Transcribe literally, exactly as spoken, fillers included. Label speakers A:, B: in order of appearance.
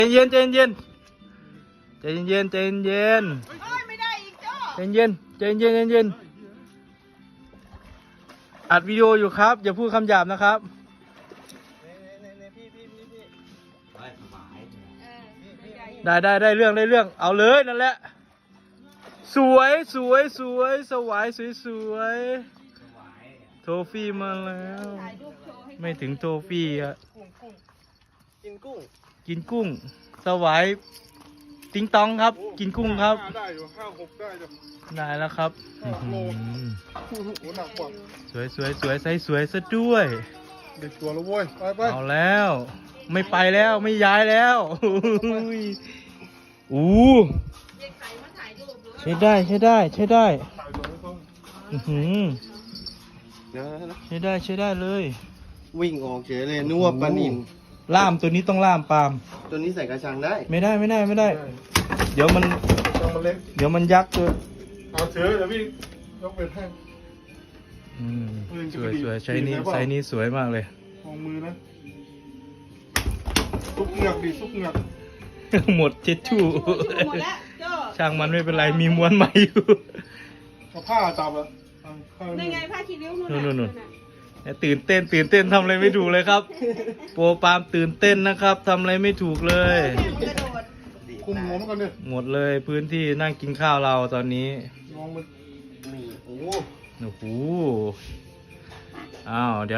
A: ใจเย็นใจเย็นใจเย็นใจเย็น
B: ไม่ได้อีกจ้อ
A: ใจเย็นใจเย็นใจเย็นอัดวิดีโออยู่ครับอย่าพูดคำหยาบนะครับได้ได้ได้เรื่องได้เรื่องเอาเลยนั่นแหละสวยสวยสวยสวายสวยสวยโทฟี่มาแล้วไม่ถึงโทฟี่อะกินกุ้งกินกุ้งสวายติงตองครับกินกุ้งครับได้อยู่ห้าหกได้จ้ะได้แล้วครับสวยสวยสวยใส่สวยซะด้วยเด็กตัวแล้วเว้ยไปไปเอาแล้วไม่ไปแล้วไม่ย้ายแล้วอู้ใช้ได้ใช้ได้ใช้ได้ใช้ได้ใช้ได้เลย
C: วิ่งออกเฉยเลยนัวปลานิน
A: ล่ามตัวนี้ต้องล่ามปาล์ม
C: ตัวนี้ใส่กระชังได้
A: ไม่ได้ไม่ได้ไม่ได้เดี๋ยวมันเดี๋ยวมันยักษ์ตัว
D: เอาเถอะเดี๋ยวพี่ยกเป็นให้
A: สวยสวยใช้นี้ใช้นี้สวยมากเลย
D: มองมือนะซุกเหงือกดิซุกเหงือก
A: หมดเช็ดชู่ช่างมันไม่เป็นไรมีม้วนใหม่อยู่
D: เอาผ้าจับอ่ะ
B: นี่ไงผ้าคีริ้วนู่น
A: นู่นนู่นตื่นเต้นตื่นเต้นทำอะไรไม่ถูกเลยครับโปรปาล์มตื่นเต้นนะครับทำอะไรไม่ถูกเลย
D: คุมหัวมันก่อนดิ
A: หมดเลยพื้นที่นั่งกินข้าวเราตอนนี้
D: มองมัน
C: นี่โอ้
A: โอ้โหอ้าวเดี๋ยว